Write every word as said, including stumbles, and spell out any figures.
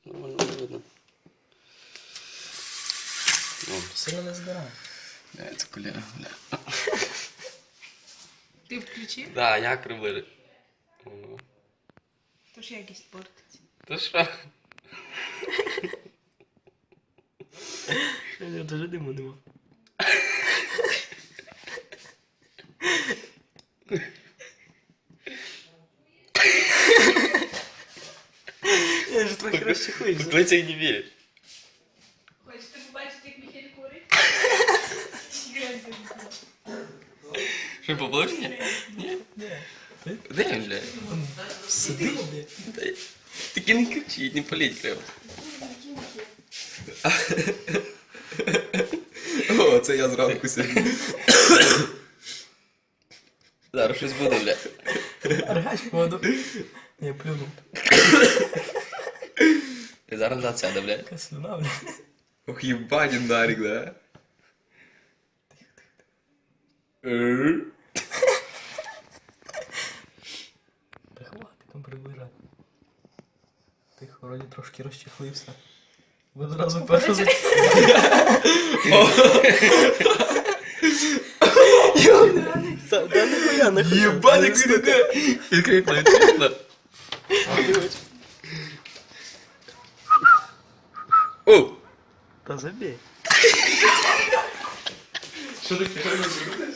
Нормально не видно. О. Сильно не здирає. Бля, це коляга, бля. Ти включив? Да, я приближу. Тож якість портиться. Та що? Я даже диму нема. Я же трохи розчихуюся. Хто це не вірить? Хочете побачити, як Міхель курить? Що, поплиш? Ні? Ні? Де він, бля? Сиди, бля. Таки не кричіть, не паліть треба. О, це я зранку сьогодні. Зараз щось буде, бля. Аргач воду. Я плюнув. І зараз назад сяде, бля. Яка слюна, бля. Ох, єбанін Нарік, да? Та хватить там приближати. Тихо, вроді трошки розчехлився. Ви одразу першу за... Та да нихуя, нихуя. Єбаник він іде! Відкрикла, відкрикла. О! Та забей. Що ти хотів?